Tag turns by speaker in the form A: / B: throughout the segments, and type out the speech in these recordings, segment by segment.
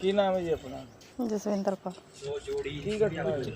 A: ਕੀ ਨਾਮ ਹੈ ਜੀ ਆਪਣਾ?
B: ਜਸਵਿੰਦਰ ਕੌਰ।
A: ਕੀ ਘਟਨਾ ਹੋਈ?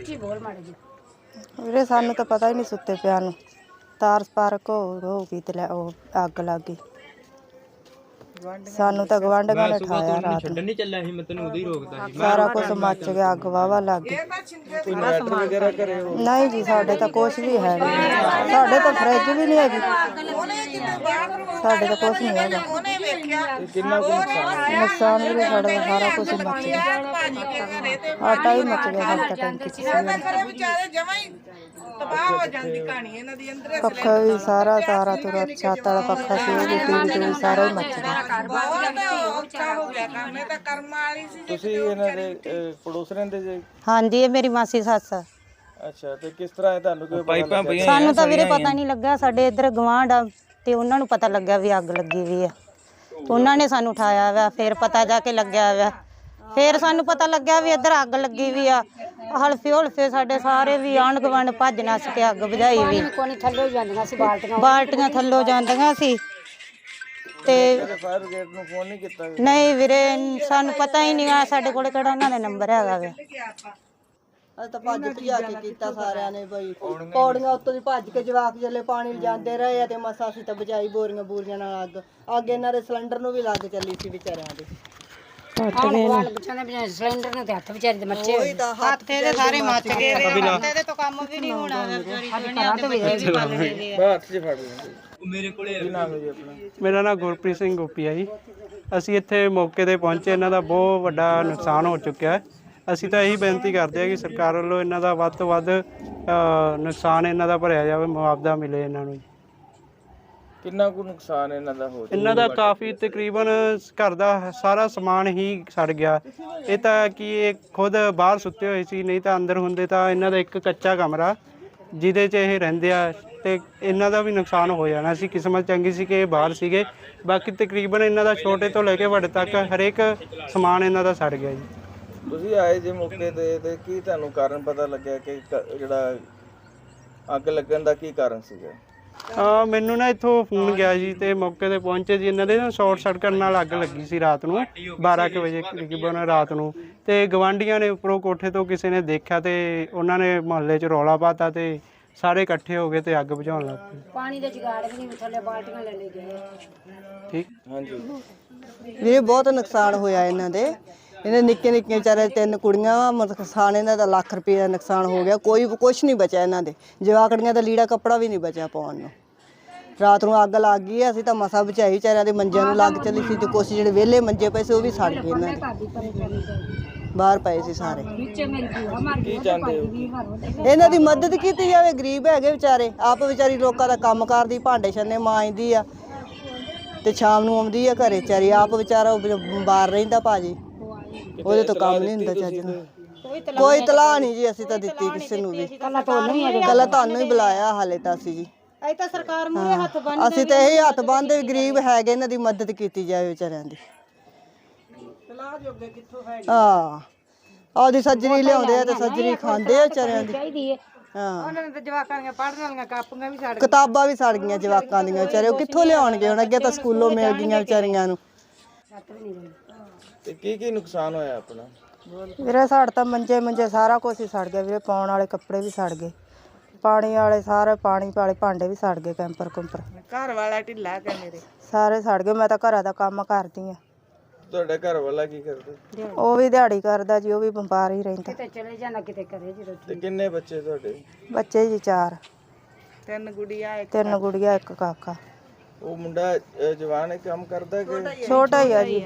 B: ਵੀਰੇ ਸਾਨੂੰ ਤਾਂ ਪਤਾ ਹੀ ਨਹੀਂ ਸੁੱਤੇ ਪਿਆ ਨੂੰ, ਤਾਰ ਸਪਾਰਕ ਹੋ ਗਈ ਤੇ ਉਹ ਅੱਗ ਲੱਗ ਗਈ। ਸਾਨੂੰ ਤਾਂ ਗਵਾਂਢੀਆਂ ਨੇ ਠਾਇਆ ਰਾਤ ਨੂੰ।
C: ਨਹੀਂ ਚੱਲਿਆ ਸੀ, ਮੈਂ ਤੈਨੂੰ ਉਦੋਂ ਹੀ ਰੋਕਦਾ ਸੀ।
B: ਸਾਰਾ ਕੁਝ ਮੱਚ ਗਿਆ, ਅੱਗ ਵਾਵਾ ਲੱਗ ਗਈ।
A: ਕੋਈ ਇਨਵਰਟਰ ਵਗੈਰਾ ਘਰੇ ਹੋ?
B: ਨਹੀਂ ਜੀ, ਸਾਡੇ ਤਾਂ ਕੁਛ ਵੀ ਹੈ ਨਹੀਂ, ਸਾਡੇ ਤਾਂ ਫਰਿੱਜ ਵੀ ਨਹੀਂ ਹੈਗੀ, ਸਾਡੇ ਤਾਂ ਕੁਛ ਨਹੀਂ ਹੈਗਾ।
A: ਤੇ ਕਿੰਨਾ ਕੁ ਨੁਕਸਾਨ?
B: ਨੁਕਸਾਨ ਵੀ ਸਾਡਾ ਤਾਂ ਸਾਰਾ ਕੁਝ ਮੱਚ ਗਿਆ, ਆਟਾ ਵੀ ਮੱਚ ਗਿਆ ਸਾਡਾ ਟੈਂਕੀ 'ਚ। ਪੱਖਾ ਵੀ ਸਾਰਾ ਤਾਰਾ ਤੁਰਾ ਛੱਤ ਵਾਲਾ ਪੱਖਾ ਸੀ, ਉਹ ਵੀ ਟੀਵੀ ਸਾਰਾ ਹੀ ਮੱਚ ਗਿਆ।
A: ਤੁਸੀਂ ਇਹਨਾਂ ਦੇ ਪੜੋਸ ਰਹਿੰਦੇ ਜੀ?
D: ਹਾਂਜੀ, ਇਹ ਮੇਰੀ ਮਾਸੀ ਸੱਸ ਆ।
A: ਅੱਛਾ, ਤੇ ਕਿਸ ਤਰ੍ਹਾਂ ਹੈ ਤੁਹਾਨੂੰ ਕੋਈ ਪਾਈਪਾਂ ਪਈਆਂ?
D: ਸਾਨੂੰ ਤਾਂ ਵੀਰੇ ਪਤਾ ਨਹੀਂ ਲੱਗਾ, ਸਾਡੇ ਇੱਧਰ ਗਵਾਂਢ ਆ ਤੇ ਉਹਨਾਂ ਨੂੰ ਪਤਾ ਲੱਗਿਆ ਵੀ ਅੱਗ ਲੱਗੀ ਵੀ ਆ, ਉਹਨਾਂ ਨੇ ਸਾਨੂੰ ਉਠਾਇਆ ਵਾ, ਫਿਰ ਪਤਾ ਜਾ ਕੇ ਲੱਗਿਆ ਵਾ, ਫਿਰ ਸਾਨੂੰ ਪਤਾ ਲੱਗਿਆ ਵੀ ਇੱਧਰ ਅੱਗ ਲੱਗੀ ਵੀ ਆ। ਹਲਫੇ ਸਾਡੇ ਸਾਰੇ ਵੀ ਆਂਢ ਗੁਆਂਢ ਭੱਜ ਨੱਸ ਕੇ ਅੱਗ ਬੁਝਾਈ ਵੀ। ਬਾਲਟੀਆਂ ਥੱਲੋਂ ਜਾਂਦੀਆਂ ਸੀ ਤੇ
A: ਫਾਇਰ ਬ੍ਰਿਗੇਡ ਨੂੰ ਫੋਨ ਨਹੀਂ ਕੀਤਾ?
D: ਨਹੀਂ ਵੀਰੇ, ਸਾਨੂੰ ਪਤਾ ਹੀ ਨਹੀਂ ਆ, ਸਾਡੇ ਕੋਲ ਕਿਹੜਾ ਉਹਨਾਂ ਦਾ ਨੰਬਰ ਹੈਗਾ ਵਾ।
B: ਅਸੀਂ ਤਾਂ ਭੱਜ ਭਜਾ ਕੇ ਕੀਤਾ ਸਾਰਿਆਂ ਨੇ ਬਈ, ਪੌੜੀਆਂ ਉੱਤੋਂ ਦੀ ਭੱਜ ਕੇ ਜਵਾਕ ਜਲੇ ਪਾਣੀ ਲਿਜਾਂਦੇ ਰਹੇ ਆ ਤੇ ਮਸਾ ਅਸੀਂ ਤਾਂ ਬਚਾਈ ਬੋਰੀਆਂ ਨਾਲ ਅੱਗ ਇਹਨਾਂ ਦੇ ਸਿਲੰਡਰ ਨੂੰ ਵੀ ਲੱਗ ਚੱਲੀ ਸੀ ਵਿਚਾਰਿਆਂ ਦੇ।
D: ਸਿਲੰਡਰ ਨੂੰ ਤੇ ਹੱਥ ਵਿਚਾਰੀ ਦੇ ਮੱਚੇ ਹੋਏ, ਹੱਥ ਇਹਦੇ ਸਾਰੇ ਮੱਚ ਗਏ, ਇਹਦੇ ਤੋਂ ਕੰਮ ਵੀ ਨਹੀਂ ਹੋਣਾ।
A: ਹੱਥ 'ਚ ਫੜ ਲੈਂਦੇ। ਮੇਰੇ ਕੋਲੇ ਕੀ ਨਾਮ ਹੈ ਜੀ ਆਪਣਾ?
E: ਮੇਰਾ ਨਾਮ ਗੁਰਪ੍ਰੀਤ ਸਿੰਘ ਗੋਪੀ ਹੈ ਜੀ। ਅਸੀਂ ਇੱਥੇ ਮੌਕੇ ਤੇ ਪਹੁੰਚੇ, ਇਹਨਾਂ ਦਾ ਬਹੁਤ ਵੱਡਾ ਨੁਕਸਾਨ ਹੋ ਚੁੱਕਿਆ ਹੈ। ਅਸੀਂ ਤਾਂ ਇਹੀ ਬੇਨਤੀ ਕਰਦੇ ਹਾਂ ਕਿ ਸਰਕਾਰ ਵੱਲੋਂ ਇਹਨਾਂ ਦਾ ਵੱਧ ਤੋਂ ਵੱਧ ਨੁਕਸਾਨ ਇਹਨਾਂ ਦਾ ਭਰਿਆ ਜਾਵੇ, ਮੁਆਵਜ਼ਾ ਮਿਲੇ ਇਹਨਾਂ ਨੂੰ।
A: ਕਿੰਨਾ ਕੁ ਨੁਕਸਾਨ ਇਹਨਾਂ ਦਾ ਹੋ?
E: ਇਹਨਾਂ ਦਾ ਕਾਫੀ, ਤਕਰੀਬਨ ਘਰ ਦਾ ਸਾਰਾ ਸਮਾਨ ਹੀ ਸੜ ਗਿਆ। ਇਹ ਤਾਂ ਕਿ ਇਹ ਖੁਦ ਬਾਹਰ ਸੁੱਤੇ ਹੋਏ ਸੀ, ਨਹੀਂ ਤਾਂ ਅੰਦਰ ਹੁੰਦੇ ਤਾਂ ਇਹਨਾਂ ਦਾ ਇੱਕ ਕੱਚਾ ਕਮਰਾ ਜਿਹਦੇ 'ਚ ਇਹ ਰਹਿੰਦੇ ਆ, ਤੇ ਇਹਨਾਂ ਦਾ ਵੀ ਨੁਕਸਾਨ ਹੋ ਜਾਣਾ ਸੀ। ਕਿਸਮਤ ਚੰਗੀ ਸੀ ਕਿ ਇਹ ਬਾਹਰ ਸੀਗੇ, ਬਾਕੀ ਤਕਰੀਬਨ ਇਹਨਾਂ ਦਾ ਛੋਟੇ ਤੋਂ ਲੈ ਕੇ ਵੱਡੇ ਤੱਕ ਹਰੇਕ ਸਮਾਨ ਇਹਨਾਂ ਦਾ ਸੜ ਗਿਆ ਜੀ।
A: ਤੁਸੀਂ ਆਏ ਜੇ ਮੌਕੇ ਤੇ ਕੀ ਤੁਹਾਨੂੰ ਕਾਰਨ ਪਤਾ ਲੱਗਿਆ ਕਿ ਜਿਹੜਾ ਅੱਗ ਲੱਗਣ ਦਾ ਕੀ ਕਾਰਨ ਸੀਗਾ?
E: ਮੈਨੂੰ ਨਾ ਇੱਥੋਂ ਫੋਨ ਗਿਆ ਜੀ ਤੇ ਮੌਕੇ ਤੇ ਪਹੁੰਚੇ ਜੀ। ਇਹਨਾਂ ਦੇ ਨਾ ਸ਼ਾਰਟ ਸਰਕਟ ਨਾਲ ਅੱਗ ਲੱਗੀ ਸੀ ਰਾਤ ਨੂੰ 12 ਕੁ ਵਜੇ ਤਕਰੀਬਨ ਰਾਤ ਨੂੰ, ਤੇ ਗਵਾਂਢੀਆਂ ਨੇ ਉੱਪਰੋਂ ਕੋਠੇ ਤੋਂ ਕਿਸੇ ਨੇ ਦੇਖਿਆ ਤੇ ਉਹਨਾਂ ਨੇ ਮੁਹੱਲੇ 'ਚ ਰੌਲਾ ਪਾਤਾ ਤੇ ਸਾਰੇ ਇਕੱਠੇ ਹੋ ਗਏ ਤੇ ਅੱਗ ਬੁਝਾਉਣ ਲੱਗ ਪਏ।
D: ਪਾਣੀ ਦੇ ਜੁਗਾੜ ਵੀ ਨਹੀਂ, ਥੱਲੇ ਬਾਲਟੀਆਂ ਲੈ ਲੈ ਗਏ।
E: ਠੀਕ।
A: ਹਾਂਜੀ
B: ਵੀਰੇ ਬਹੁਤ ਨੁਕਸਾਨ ਹੋਇਆ ਇਹਨਾਂ ਦੇ, ਇਹਨੇ ਨਿੱਕੇ ਵਿਚਾਰੇ 3 ਕੁੜੀਆਂ ਵਾ, ਨੁਕਸਾਨ ਇਹਨਾਂ ਦਾ ਲੱਖ ਰੁਪਏ ਦਾ ਨੁਕਸਾਨ ਹੋ ਗਿਆ। ਕੁਛ ਨਹੀਂ ਬਚਿਆ ਇਹਨਾਂ ਦੇ, ਜਵਾਕੜੀਆਂ ਦਾ ਲੀੜਾ ਕੱਪੜਾ ਵੀ ਨਹੀਂ ਬਚਿਆ ਪਾਉਣ ਨੂੰ। ਰਾਤ ਨੂੰ ਅੱਗ ਲੱਗ ਗਈ, ਅਸੀਂ ਤਾਂ ਮਸਾ ਬਚਾਈ, ਵਿਚਾਰਿਆਂ ਦੇ ਮੰਜਿਆਂ ਨੂੰ ਲੱਗ ਚੱਲੀ ਸੀ ਤੇ ਕੁਛ ਜਿਹੜੇ ਵਿਹਲੇ ਮੰਜੇ ਪਏ ਸੀ ਉਹ ਵੀ ਸੜ ਗਏ, ਇਹਨਾਂ ਦੇ ਬਾਹਰ ਪਏ ਸੀ ਸਾਰੇ।
A: ਕੀ ਚਾਹੁੰਦੇ ਹੋ?
B: ਇਹਨਾਂ ਦੀ ਮਦਦ ਕੀਤੀ ਜਾਵੇ, ਗਰੀਬ ਹੈਗੇ ਵਿਚਾਰੇ, ਆਪ ਵਿਚਾਰੀ ਲੋਕਾਂ ਦਾ ਕੰਮ ਕਰਦੀ, ਭਾਂਡੇ ਛੰਨੇ ਮਾਂਜਦੀ ਆ ਤੇ ਸ਼ਾਮ ਨੂੰ ਆਉਂਦੀ ਆ ਘਰੇ ਵਿਚਾਰੀ, ਆਪ ਵਿਚਾਰਾ ਬਾਹਰ ਰਹਿੰਦਾ ਭਾਜੀ, ਉਹਦੇ ਤੋਂ ਕੰਮ ਨਹੀਂ ਹੁੰਦਾ ਚੱਜ ਨਾਲ। ਕੋਈ ਤਲਾਹ ਨਹੀਂ ਜੀ ਅਸੀਂ ਤਾਂ ਦਿੱਤੀ ਕਿਸੇ ਨੂੰ ਵੀ, ਕੱਲਾ ਤੁਹਾਨੂੰ ਹੀ ਬੁਲਾਇਆ ਹਾਲੇ ਤਾਂ ਅਸੀਂ ਜੀ।
D: ਅਸੀਂ ਤਾਂ ਸਰਕਾਰ ਮੂਹਰੇ ਹੱਥ ਬੰਨ੍ਹਦੇ,
B: ਅਸੀਂ ਤਾਂ ਇਹੀ ਹੱਥ ਬੰਨ੍ਹਦੇ, ਗਰੀਬ ਹੈਗੇ, ਇਹਨਾਂ ਦੀ ਮਦਦ ਕੀਤੀ ਜਾਵੇ ਵਿਚਾਰਿਆਂ ਦੀ। ਹਾਂ, ਉਹਦੀ ਸੱਜਰੀ ਲਿਆਉਂਦੇ ਆ ਤੇ ਸੱਜਰੀ ਖਾਂਦੇ ਆ ਵਿਚਾਰਿਆਂ ਦੀ। ਹਾਂ,
D: ਉਹਨਾਂ ਨੇ ਤਾਂ ਜਵਾਕਾਂ ਦੀਆਂ ਪੜ੍ਹਨ ਵਾਲੀਆਂ ਕਾਪੀਆਂ ਵੀ ਸੜ ਗਈਆਂ,
B: ਕਿਤਾਬਾਂ ਵੀ ਸੜ ਗਈਆਂ ਜਵਾਕਾਂ ਦੀਆਂ, ਵਿਚਾਰੇ ਉਹ ਕਿੱਥੋਂ ਲਿਆਉਣਗੇ ਹੁਣ? ਅੱਗੇ ਤਾਂ ਸਕੂਲੋਂ ਮਿਲ ਗਈਆਂ ਵਿਚਾਰੀਆਂ ਨੂੰ।
A: ਤੇ ਕੀ ਨੁਕਸਾਨ ਹੋਇਆ ਆਪਣਾ?
B: ਵੀਰੇ ਸਾੜ ਤਾਂ ਮੰਜੇ ਸਾਰਾ ਕੁਝ ਹੀ ਸੜ ਗਿਆ ਵੀਰੇ, ਪਾਉਣ ਵਾਲੇ ਕੱਪੜੇ ਵੀ ਸੜ ਗਏ, ਪਾਣੀ ਵਾਲੇ ਸਾਰੇ ਪਾਣੀ ਵਾਲੇ ਭਾਂਡੇ ਵੀ ਸੜ ਗਏ, ਕੈਂਪਰ
F: ਘਰ ਵਾਲਾ ਢਿੱਲਾ ਕੇ ਮੇਰੇ
B: ਸਾਰੇ ਸੜ ਗਏ। ਮੈਂ ਤਾਂ ਘਰਾਂ ਦਾ ਕੰਮ ਕਰਦੀ ਆ।
A: ਤੁਹਾਡਾ ਘਰ ਵਾਲਾ ਕੀ ਕਰਦੇ?
B: ਉਹ ਵੀ ਦਿਹਾੜੀ ਕਰਦਾ ਜੀ, ਉਹ ਵੀ ਬਿਮਾਰ ਹੀ ਰਹਿੰਦਾ।
D: ਕਿਤੇ ਚਲੇ ਜਾਣਾ, ਕਿਤੇ ਕਰੇ ਜੀ।
A: ਤੇ ਕਿੰਨੇ ਬੱਚੇ ਤੁਹਾਡੇ?
B: ਬੱਚੇ ਜੀ 4,
F: 3 ਗੁੜੀਆਂ
B: 3 ਗੁੜੀਆਂ 1 ਕਾਕਾ।
A: ਉਹ ਮੁੰਡਾ ਜਵਾਨ ਹੈ, ਕੰਮ ਕਰਦਾ ਕਿ
B: ਛੋਟਾ ਹੀ ਆ ਜੀ।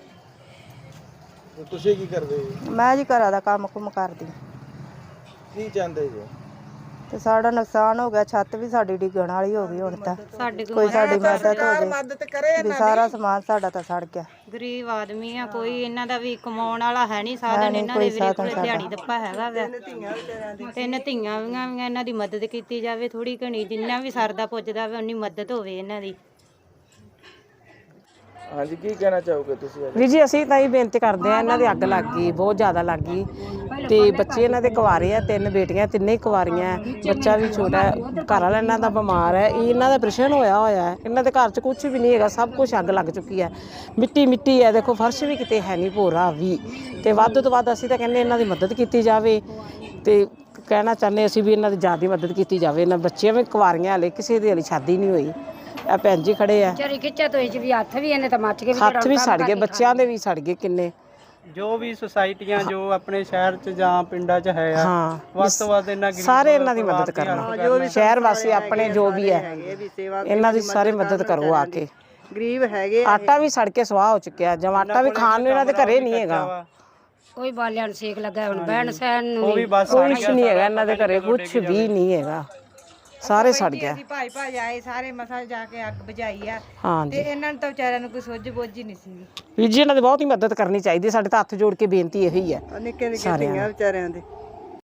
A: ਤੁਸੀਂ ਕੀ ਕਰਦੇ ਜੀ?
B: ਮੈਂ ਜੀ ਘਰਾਂ ਦਾ ਕੰਮ ਕੁਮ ਕਰਦੀ।
A: ਕੀ ਚਾਹੁੰਦੇ ਜੀ?
B: ਤੇ ਸਾਡਾ ਨੁਕਸਾਨ ਹੋ ਗਿਆ, ਛੱਤ ਵੀ ਸਾਡੀ ਡਿੱਗਣ ਵਾਲੀ ਹੋ ਗਈ। ਹੁਣ ਤਾਂ ਕੋਈ ਸਾਡੀ ਮਦਦ ਹੋ ਜਾਏ ਵੀ, ਸਾਰਾ ਸਮਾਨ ਸਾਡਾ ਤਾਂ ਸੜ ਗਿਆ।
D: ਗਰੀਬ ਆਦਮੀ ਆ, ਕੋਈ ਇਹਨਾਂ ਦਾ ਵੀ ਕਮਾਉਣ ਵਾਲਾ ਹੈ ਨਹੀਂ ਸਾਧਨ, ਇਹਨਾਂ ਦੇ ਵੀਰੇ ਕੋਲ ਦਿਹਾੜੀ ਦੱਪਾ ਹੈਗਾ ਵਾ। 3 ਧੀਆਂ ਵੀ, ਇਹਨਾਂ ਦੀ ਮਦਦ ਕੀਤੀ ਜਾਵੇ ਥੋੜੀ ਘਣੀ, ਜਿੰਨਾ ਵੀ ਸਰਦਾ ਪੁੱਜਦਾ ਵਾ ਉਨੀ ਮਦਦ ਹੋਵੇ ਇਹਨਾਂ ਦੀ।
A: ਹਾਂਜੀ, ਕੀ ਕਹਿਣਾ ਚਾਹੋਗੇ ਤੁਸੀਂ ਅੱਜ?
G: ਵੀਰ ਜੀ ਅਸੀਂ ਤਾਂ ਇਹ ਬੇਨਤੀ ਕਰਦੇ ਆ, ਇਹਨਾਂ ਦੀ ਅੱਗ ਲੱਗ ਗਈ, ਬਹੁਤ ਜ਼ਿਆਦਾ ਲੱਗ ਗਈ ਤੇ ਬੱਚੇ ਇਹਨਾਂ ਦੇ ਕੁਆਰੇ ਆ, 3 ਬੇਟੀਆਂ, ਤਿੰਨੇ ਹੀ ਕੁਆਰੀਆਂ, ਬੱਚਾ ਵੀ ਛੋਟਾ, ਘਰ ਵਾਲਾ ਇਹਨਾਂ ਦਾ ਬਿਮਾਰ ਹੈ, ਇਹਨਾਂ ਦਾ ਆਪਰੇਸ਼ਨ ਹੋਇਆ ਹੈ, ਇਹਨਾਂ ਦੇ ਘਰ 'ਚ ਕੁਝ ਵੀ ਨਹੀਂ ਹੈਗਾ, ਸਭ ਕੁਝ ਅੱਗ ਲੱਗ ਚੁੱਕੀ ਹੈ, ਮਿੱਟੀ ਮਿੱਟੀ ਹੈ, ਦੇਖੋ ਫਰਸ਼ ਵੀ ਕਿਤੇ ਹੈ ਨਹੀਂ, ਭੋਰਾ ਵੀ, ਤੇ ਵੱਧ ਤੋਂ ਵੱਧ ਅਸੀਂ ਤਾਂ ਕਹਿੰਦੇ ਇਹਨਾਂ ਦੀ ਮਦਦ ਕੀਤੀ ਜਾਵੇ ਤੇ ਕਹਿਣਾ ਚਾਹੁੰਦੇ ਅਸੀਂ ਵੀ ਇਹਨਾਂ ਦੀ ਜ਼ਿਆਦਾ ਮਦਦ ਕੀਤੀ ਜਾਵੇ। ਇਹਨਾਂ ਬੱਚੀਆਂ ਵੀ ਕੁਆਰੀਆਂ, ਹਲੇ ਕਿਸੇ ਦੀ ਹਲੇ ਸ਼ਾਦੀ ਨਹੀਂ ਹੋਈ, ਆ ਭੈਣ ਜੀ ਖੜੇ ਆ, ਹੱਥ ਵੀ ਸੜ ਗਏ, ਬੱਚਿਆਂ ਦੇ ਵੀ ਸੜ ਗਏ ਕਿੰਨੇ।
E: ਜੋ ਵੀ ਸੁਸਾਇਟੀਆਂ ਜੋ ਆਪਣੇ ਸ਼ਹਿਰ 'ਚ ਜਾਂ ਪਿੰਡਾਂ 'ਚ ਹੈ ਆ,
G: ਹਾਂ
E: ਵੱਧ ਤੋਂ ਵੱਧ ਇਹਨਾਂ ਗਰੀਬ
G: ਸਾਰੇ ਇਹਨਾਂ ਦੀ ਮਦਦ ਕਰਨਾ, ਸ਼ਹਿਰ ਵਾਸੀ ਆਪਣੇ ਜੋ ਵੀ ਹੈ ਇਹਨਾਂ ਦੀ ਸਾਰੇ ਮਦਦ ਕਰੋ ਆ ਕੇ।
B: ਗਰੀਬ ਹੈਗੇ
G: ਆਟਾ ਵੀ ਸੜ ਕੇ ਸਵਾਹ ਹੋ ਚੁੱਕਿਆ, ਜਦ ਆਟਾ ਵੀ ਖਾਣ ਨੂੰ ਇਹਨਾਂ ਦੇ ਘਰੇ ਨਹੀਂ ਹੈਗਾ,
H: ਕੋਈ ਬਾਲਿਆਂ ਨੂੰ ਸੇਕ ਲੱਗਾ, ਹੁਣ ਬਹਿਣ ਸਹਿਣ ਨੂੰ
E: ਉਹ ਵੀ ਬਸ
G: ਕੁਛ ਨਹੀਂ ਹੈਗਾ ਇਹਨਾਂ ਦੇ ਘਰੇ, ਕੁਛ ਵੀ ਨਹੀਂ ਹੈਗਾ, ਸਾਰੇ ਸੜ ਗਿਆ।
F: ਅਸੀਂ ਭਾਈ ਭਾਈ ਆਏ ਸਾਰੇ ਮਸਾ ਜਾ ਕੇ ਅੱਗ ਬੁਝਾਈ ਆ ਤੇ
G: ਹਾਂਜੀ
F: ਇਹਨਾਂ ਨੂੰ ਤਾਂ ਵਿਚਾਰਿਆਂ ਨੂੰ ਕੋਈ ਸੁੱਝ ਬੁੱਝ ਹੀ ਨਹੀਂ ਸੀ।
G: ਵੀਰ ਜੀ ਇਹਨਾਂ ਦੀ ਬਹੁਤ ਹੀ ਮਦਦ ਕਰਨੀ ਚਾਹੀਦੀ, ਸਾਡੇ ਤਾਂ ਹੱਥ ਜੋੜ ਕੇ ਬੇਨਤੀ ਇਹੀ ਹੈ
B: ਨਿੱਕੇ ਨਿੱਕੇ ਧੀਆਂ ਵਿਚਾਰਿਆਂ ਦੇ।